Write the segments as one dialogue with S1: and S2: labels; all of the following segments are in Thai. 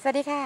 S1: สวัสดีค่ะ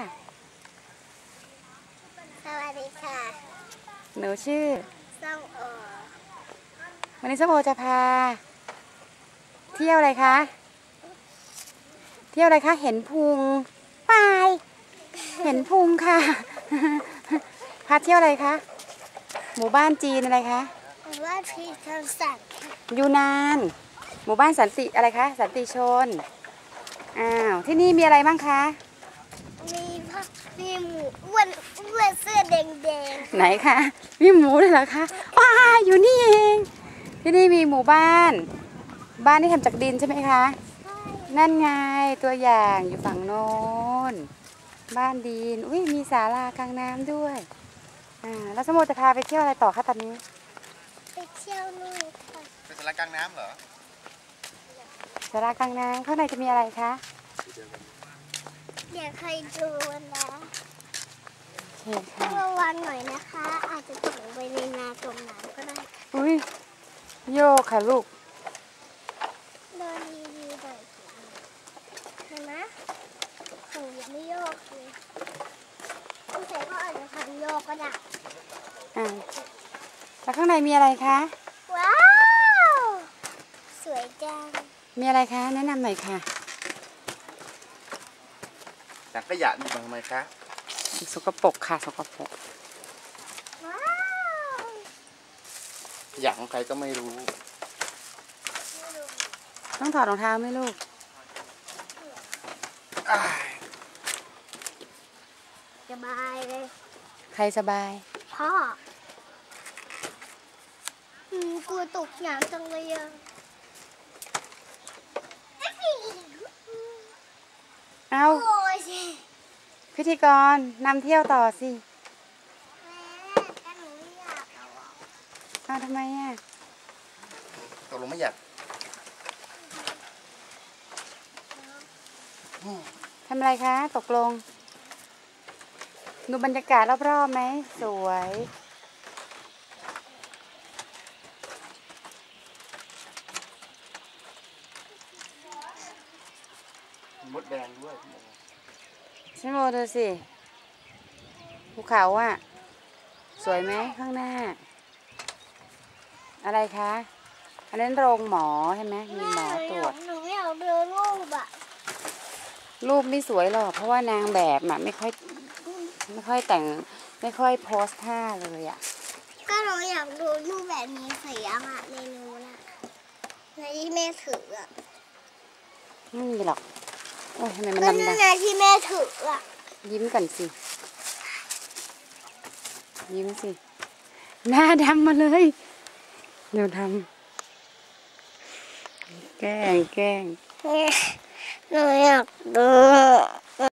S2: สวัสดีค่ะ
S1: หนูชื่อ
S2: ส้มโอ
S1: วันนี้ส้มโอจะพาเที่ยวอะไรคะเที่ยวอะไรคะเห็นพุงปายเห็นพุงค่ะพาเที่ยวอะไรคะหมู่บ้านจีนอะไรคะ
S2: ว่าพีทางสัตว์
S1: ยูนานหมู่บ้านสันติอะไรคะสันติชนที่นี่มีอะไรบ้างคะ
S2: มีหมูอ้วนเสื้อแดง
S1: ไหนคะมีหมูเลยเหรอคะว้าอยู่นี่เองที่นี่มีหมู่บ้านที่ทำจากดินใช่ไหมคะนั่นไงตัวอย่างอยู่ฝั่งโน้นบ้านดินอุ้ยมีศาลากลางน้ำด้วยแล้วสมมติจะพาไปเที่ยวอะไรต่อคะตอนนี้
S2: ไปเที่ยวนู่นค่ะ
S3: เป็นศาลากลางน้ำเหรอ
S1: ศาลากลางน้ำข้างในจะมีอะไรคะ
S2: เดี๋ยวใครดูนะ
S1: ระ
S2: วังหน่อยนะคะอาจจะตกลงไปในนาจมน้ำก็ได้
S1: อุ้ยโยกค่ะลูก
S2: โดนดีๆหน่อยเห็นไหมของยังไม่โยกเลยผู้ชายก็อาจจะทำโยกก็ได้
S1: แล้วข้างในมีอะไรคะ
S2: ว้าวสวยจัง
S1: มีอะไรคะแนะนำหน่อยค่ะ
S3: ถังขยะนี่ทำไมคะ
S1: สกปรกค่ะสกปรก
S3: ขยะของใครก็ไม่รู้
S1: ต้องถอดรองเท้าไหมลูก
S2: สบายเลย
S1: ใครสบาย
S2: พ่อ กลัวตกน้ำจังเลยอ่ะ
S1: เอาพิธีกรนำเที่ยวต่อสิ
S2: แต่หนูไม่อยาก
S1: ทำไม
S3: ตกลงไม่อยาก
S1: ทำอะไรคะตกลงดูบรรยากาศรอบๆไหมสวย
S3: มดแดงด้วย
S1: ฉันโมดูสิภูเขาสวยไหมข้างหน้าอะไรคะอันนั้นโรงหมอใช่ไหมมีหมอตรวจ
S2: หนูไม่อยากดูรูป
S1: รูปไม่สวยหรอกเพราะว่านางแบบไม่ค่อยแต่งไม่ค่อยโพสท่าเลย
S2: ก็หนูอยากดูรูปแบบนี้เสียงในนู้นในที่แม่ถือ
S1: ไม่มีหรอกโอ้ยทำไมมัน
S2: ก็
S1: ดำ
S2: ในที่แม่ถือ
S1: ยิ้มกันสิยิ้มสิหน้าดำมาเลยเดี๋ยวทำแกล้ง
S2: หนูอยากดู